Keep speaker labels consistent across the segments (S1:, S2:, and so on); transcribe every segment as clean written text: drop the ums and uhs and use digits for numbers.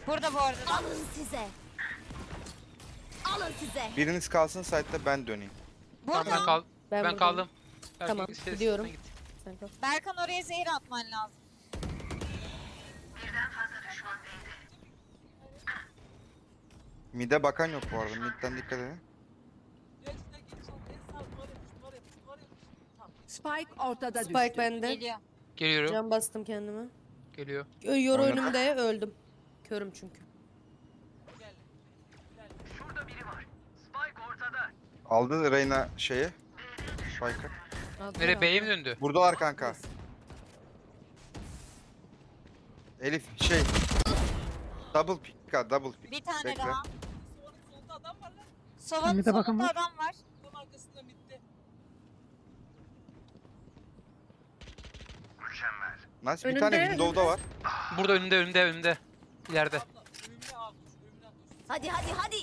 S1: Burada bu arada.
S2: Alın size. Alın size.
S3: Biriniz kalsın site'da ben döneyim.
S1: Burada.
S4: Tamam ben
S5: buradayım.
S4: kaldım.
S5: Tamam,
S4: Sen
S5: gidiyorum.
S4: git.
S5: Sen kal.
S1: Berkan oraya zehir atman lazım.
S3: Mid'e bakan yok bu arada. Mid'den dikkat edin.
S6: Spike ortada
S5: Spike
S6: düştü.
S5: bende.
S1: Geliyor.
S4: Geliyorum.
S5: Can bastım kendime.
S4: Geliyor.
S5: Yoru
S3: Oynat.
S5: önümde öldüm. Körüm çünkü.
S3: Aldı Reyna şeyi. Spike'ı.
S5: Aldılar,
S4: Nereye B'ye mi
S5: aldılar.
S4: döndü?
S3: Buradalar kanka. Elif şey. Double pick ha, double pick.
S1: Bir tane
S3: Bekle.
S1: daha.
S7: Solunda adam var lan.
S1: Sovanın
S7: Mid'e bakın
S1: solunda
S7: mı?
S1: adam var.
S7: Tam arkasında midde.
S3: Nice. Bir
S5: Önünde,
S3: tane
S5: önünde.
S3: window'da var.
S4: Burada önümde. İleride.
S7: Abla önümde abi. Önümden koş.
S2: Hadi hadi hadi.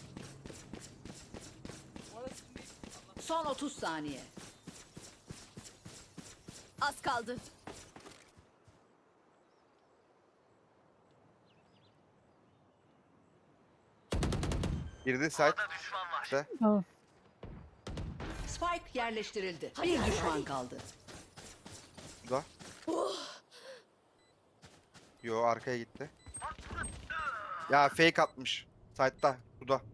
S7: Orası mid.
S6: Son 30 saniye.
S2: Az kaldı.
S3: Girdi site. İşte.
S7: Tamam.
S6: Spike yerleştirildi.
S2: Hadi,
S6: Bir
S2: hadi,
S6: düşman
S2: hadi.
S6: kaldı.
S3: Da. Yo arkaya gitti. Ya fake atmış. Site'da. Bu da.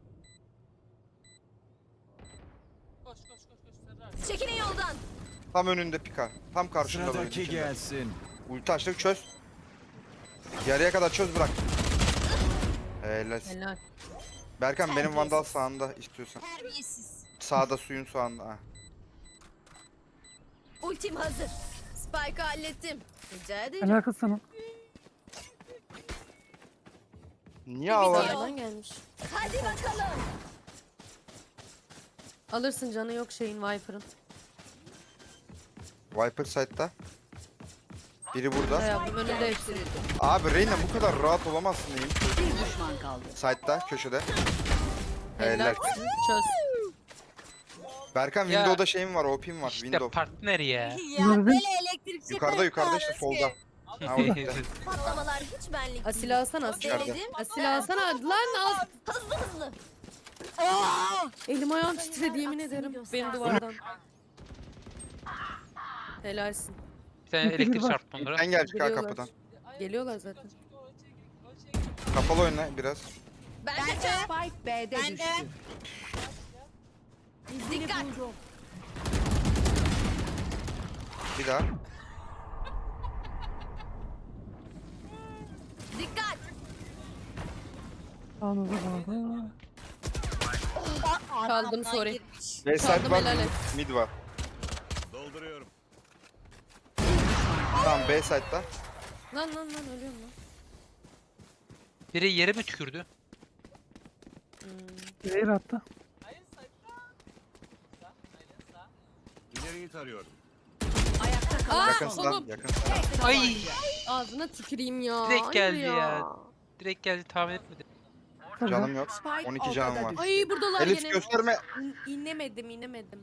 S7: Koş Serra.
S2: Çekilin yoldan.
S3: Tam önünde pika. Tam karşında. böyle
S8: Sıradaki
S3: içinde.
S8: gelsin.
S3: Ulti açtık çöz. Yarıya kadar çöz bırak. Helal.
S5: Helal.
S3: Berkan benim vandal sağında istiyorsan.
S1: Terbiyesiz.
S3: Sağda suyun sağında. Ha.
S2: Ultim hazır. Spike'ı hallettim. Rica ederim.
S7: Alakası sana.
S3: Niye ağlar?
S5: Arkadan gelmiş.
S2: Hadi bakalım.
S5: Alırsın canı yok şeyin Viper'ın.
S3: Viper site'da. Biri burada.
S5: Hay ablam önünde hepsi.
S6: Yerleştirildi.
S3: Abi Reyna bu kadar rahat olamazsın diyeyim.
S6: Bir düşman kaldı.
S3: Site'da köşede.
S5: Helal.
S3: Helal.
S5: Çöz.
S3: Berkan
S4: Ya.
S3: Window'da şeyim var, OP'm var.
S4: İşte
S3: Window.
S4: partner ya.
S1: Ya böyle elektrik
S3: Yukarıda işte solda. Ha orada.
S2: Patlamalar hiç benlik değil.
S5: Asil alsana asil.
S3: İçeride.
S2: Denedim.
S5: Asil alsana. Lan az.
S2: Hızlı hızlı.
S5: Elim ayağım titredi yemin
S2: Aksini
S5: ederim.
S2: göster.
S5: Benim duvardan. Helalsin.
S4: Bir tane elektrik çarptı onlara.
S3: Sen gelecek ha
S5: Geliyorlar.
S3: kapıdan.
S5: Geliyorlar zaten.
S3: Kapalı oyna biraz.
S2: Ben de.
S6: Spike B'de
S1: Ben de.
S6: düştü.
S2: Dikkat.
S3: Bir daha.
S2: Dikkat.
S5: Kaldım, sorry.
S3: B site
S5: Çaldım,
S3: var,
S5: helal et.
S3: mid var.
S8: Dolduruyorum.
S3: Tamam B site'da.
S5: Lan ölüyorum lan.
S4: Biri yere mi tükürdü?
S7: Zehir attı.
S8: İleriyi tarıyorum.
S6: Ayakta kalan
S3: Yakın
S5: Aa,
S3: lan,
S5: oğlum.
S3: yakın.
S4: Ay!
S5: Ağzına tüküreyim ya.
S4: Direkt
S5: Hayır
S4: geldi ya. Direkt geldi tahmin etmedim.
S3: Canım yok.
S6: Spike
S3: 12 canım
S6: ortada
S3: var.
S6: düştü.
S5: Ay buradalar
S3: Elif
S5: gene.
S3: gösterme.
S5: İnemedim.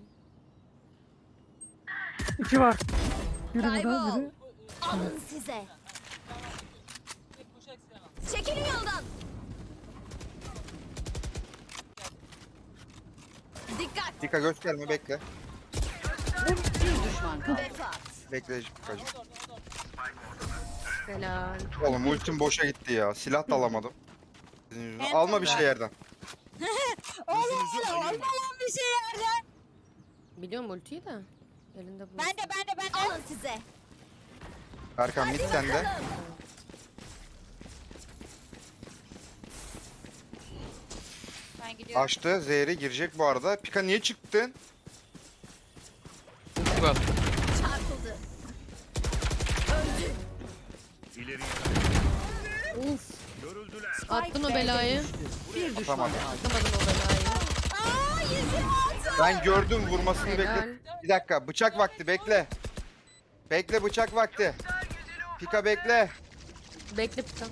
S7: 2 var. Biri burada,
S2: Kaybol.
S7: biri.
S2: Alın size. Çekilin yoldan. Dikkat.
S3: Dika gösterme bekle.
S6: Bir düşman kaldı.
S2: Vefat.
S3: Bekle Pikacım.
S5: Helal.
S3: Oğlum ultim boşa gitti ya. Silah da alamadım. Sizin yüzünüzden.
S1: Ben
S3: Alma
S1: de
S3: bir
S1: ben.
S3: şey yerden.
S1: Olmaz bir şey yerden.
S5: Biliyorum ultiyi de. Elinde bu.
S1: Ben de.
S2: Alın size.
S3: Berkan mid sende.
S1: Ben gidiyorum.
S3: Açtı. Zehri girecek bu arada. Pika niye çıktın?
S4: Bak.
S2: Çarpıldı. Öldü.
S8: İleriyi
S5: Uf.
S8: görüldüler.
S5: Attın o
S6: B'de
S5: belayı.
S6: düştü. Bir düşman
S3: Atamadım.
S6: kaldı.
S5: Atamadım o belayı.
S1: Aa yüzüm altı.
S3: Ben gördüm vurmasını
S5: Helal.
S3: bekle. Bir dakika bıçak vakti bekle. Bekle bıçak vakti. Pika bekle.
S5: Bekle Pika.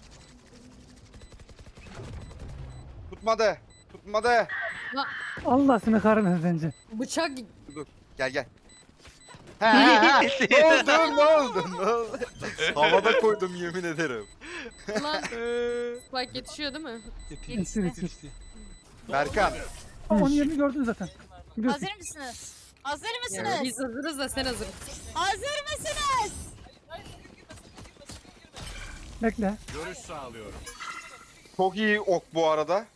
S3: Tutmadı. Tutmadı.
S7: Allah seni kahretmesin bence.
S5: Bıçak
S3: Dur. Gel gel. Ne oldu? Ne oldu? Ne oldu? Havada koydum yemin ederim.
S5: Lan Spike yetişiyor değil mi?
S7: Yetişti.
S4: Yetişti.
S3: Berkan.
S7: Ama onun yerini gördün zaten. Biliyorsun.
S1: Hazır mısınız? Hazır
S5: Ya,
S1: mısınız?
S5: biz hazırız da sen hazır.
S1: Hazır mısınız?
S7: Bekle.
S8: Görüş sağlıyorum.
S3: Çok iyi ok bu arada.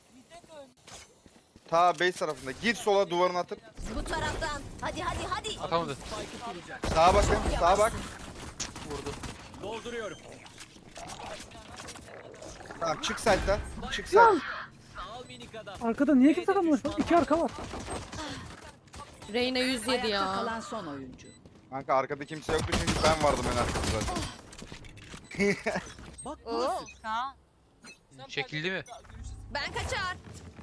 S3: Ta base tarafında. Gir sola duvarını atıp.
S2: Bu taraftan. Hadi hadi hadi.
S4: Atamadı.
S3: Sağa bakın. Sağa bak.
S4: Vurdu.
S8: Dolduruyorum.
S3: Tamam çık site'den. Çık site.
S7: Arkada niye kimse kalmamış? Bak 2 arka var.
S5: Reyna 107
S6: Ayakta
S5: ya.
S6: kalan son oyuncu.
S3: Kanka arkada kimse yoktu çünkü ben vardım en arkada zaten.
S1: Oo. Kaan.
S4: Çekildi mi?
S2: Ben kaçar.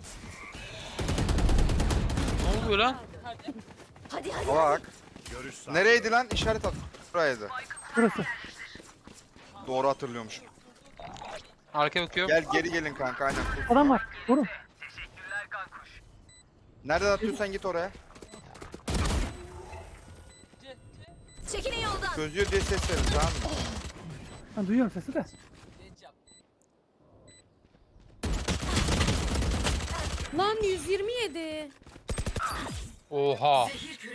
S4: Ne oluyor lan?
S2: Hadi hadi.
S3: Bak.
S8: Görüş sağlıyorum.
S3: Nereydi lan? İşaret at. Buraydı.
S7: Burası.
S3: Doğru hatırlıyormuş.
S4: Arkaya bakıyorum.
S3: Gel geri gelin kanka aynen.
S7: Adam var. Vurun.
S3: Nereden atıyorsan git oraya.
S2: Çekilin yoldan.
S3: Çözüyor diye ses verin tamam mı?
S7: Ben duyuyorum sesi de.
S5: Lan 127.
S4: Oha.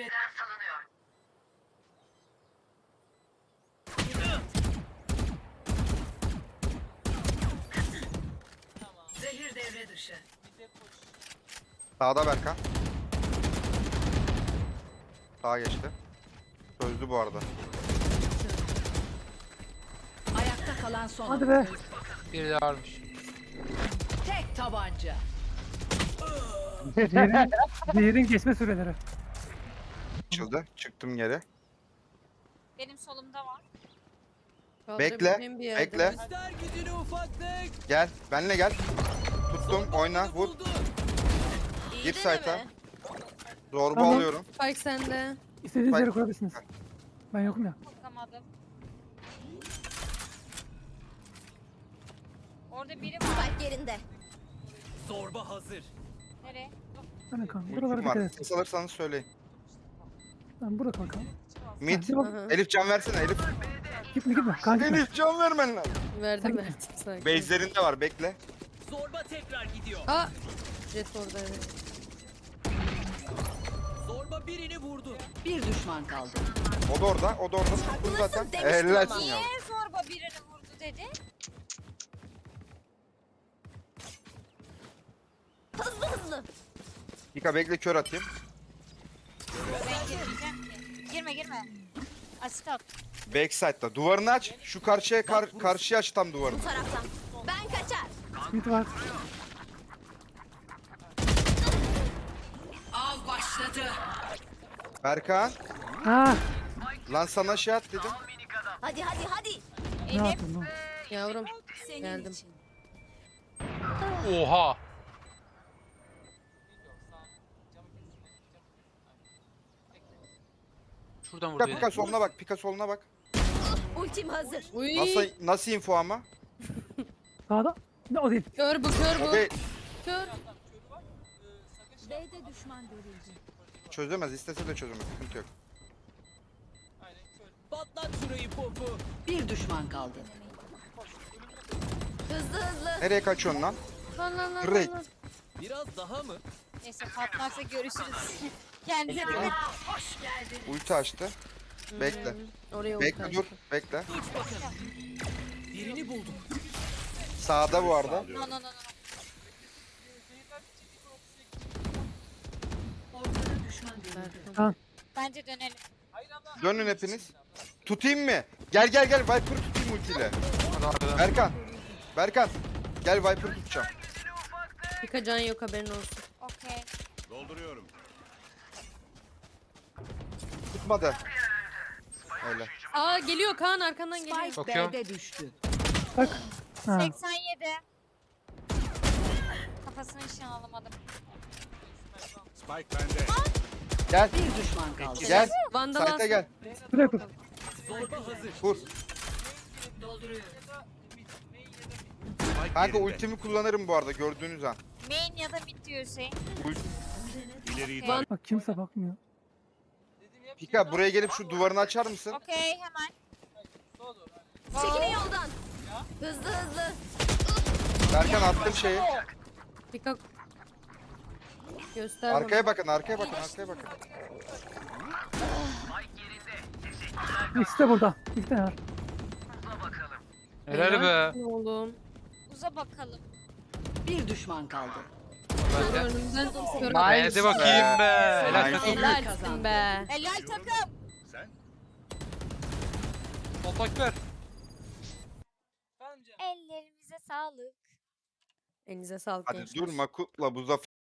S6: Zehir devre dışı.
S3: Sağda Berkan. Sağa geçti. Çözdü bu arada.
S6: Ayakta kalan son
S7: Hadi
S6: oyuncu.
S7: be.
S4: Biri de varmış.
S6: Tek tabanca.
S7: Diğerin geçme süreleri.
S3: Açıldı. Çıktım geri.
S1: Benim solumda var.
S5: Kaldırabileceğim bir yerde.
S3: Bekle. Gel. Benle gel. Tuttum. Oyna. Vur.
S2: İyi
S3: Gir
S2: deneme.
S3: site'a. Zorba
S7: Tamam.
S3: alıyorum.
S5: Spike sende.
S7: İstediğiniz
S3: Bak.
S7: yere kurabilirsiniz. Ben yokum ya.
S1: Bakamadım. Orada biri var.
S2: Spike yerinde.
S1: Nereye?
S7: Hadi kanka. Buralara
S3: Ultim
S7: dikkat
S3: var.
S7: et.
S3: Ses alırsanız söyleyin.
S7: Tamam burada kanka.
S3: Mid.
S7: Hadi bak.
S5: Hı hı.
S3: Elif can versene Elif.
S7: Gitme gitme. Kanka gitme.
S3: Elif can vermen lazım.
S5: Verdim verdim. Sakin.
S3: Base'lerinde var bekle.
S5: Aa. Jet orada evet.
S6: Bir düşman kaldı.
S3: O da orada. O da orada. Tuttum zaten.
S2: demiştim
S3: Helalsin
S2: ama.
S3: ya.
S1: Niye zorba birini vurdu dedi?
S2: Hızlı hızlı.
S3: Pika bekle kör atayım.
S1: Ben girmeyeceğim ki. Girme girme. Asit at.
S3: Backside'da. Duvarını aç. Şu karşıya karşıya aç tam duvarını.
S2: Bu taraftan. Ben kaçar.
S7: Mid var.
S6: Av başladı.
S3: Berkan.
S7: Ha.
S3: Lan sana şey at dedim.
S2: Hadi hadi hadi.
S7: Ne
S1: Elif.
S7: yaptın lan?
S5: Yavrum.
S2: Senin
S5: Geldim.
S2: için.
S4: Oha. Şuradan
S3: Pika
S4: vurdu.
S3: Pika soluna bak. Pika soluna bak.
S2: Ultim hazır.
S5: Uy.
S3: Nasıl info ama?
S7: Sağda. Ne o değil.
S5: Kör bu kör
S3: O
S5: bu.
S3: değil.
S5: Kör.
S2: B'de düşman görüldü.
S3: Çözemez. İstese de çözemez. Sıkıntı yok.
S6: Bir düşman kaldı.
S2: Hızlı hızlı.
S3: Nereye kaçıyorsun lan?
S5: Lan lan lan
S3: Great.
S5: lan.
S1: Neyse patlarsa görüşürüz. Kendine dikkat.
S3: Ulti açtı. Bekle.
S5: Oraya
S3: Bekle
S5: ulti
S3: dur.
S5: açtı.
S3: Bekle. Sağda bu arada.
S1: No no no no.
S7: Tamam.
S1: Bence dönelim.
S3: Dönün hepiniz. Tutayım mı? Gel gel gel. Viper tutayım ultiyle. Berkan. Berkan. Gel Viper tutacağım.
S5: Pika can yok haberin olsun.
S1: Okey.
S8: Dolduruyorum.
S3: Tutmadı. Öyle.
S5: Aa geliyor Kaan arkandan geliyor.
S6: Spike
S4: Bakıyorum.
S6: B'de düştü.
S7: Bak. Ha.
S1: 87. Kafasını nişan alamadım.
S8: Spike bende.
S3: Gel.
S6: Bir düşman kaldı.
S3: Gel.
S5: Vandal
S3: Site'e gel.
S7: Buraya kur.
S3: Vur.
S8: Spike
S3: Kanka
S8: yerinde.
S3: ultimi kullanırım bu arada gördüğünüz an.
S1: Main ya da mid diyor Hüseyin.
S3: Ult
S8: İleriyi
S1: Van-
S7: Bak kimse bakmıyor.
S3: Pika buraya gelip şu duvarını açar mısın?
S1: Okey hemen.
S2: Çekilin yoldan. Hızlı hızlı.
S3: Berkan attım şeyi.
S5: Pika. Göster
S3: Arkaya bakın, arkaya bakın, arkaya bakın.
S7: İkisi de burada. İkisi de var.
S4: Helal be.
S5: bana. Oğlum.
S1: Uza bakalım.
S6: Bir düşman kaldı.
S5: Şöyle önümden kör.
S4: Hadi bakayım be. Helal
S3: Nice.
S4: takım.
S5: Helalsin be.
S1: Helal takım.
S8: Sen?
S4: Otak ver.
S1: Ellerimize sağlık.
S5: Elinize sağlık
S3: Hadi
S5: gençler.
S3: durma kutla bu zafer.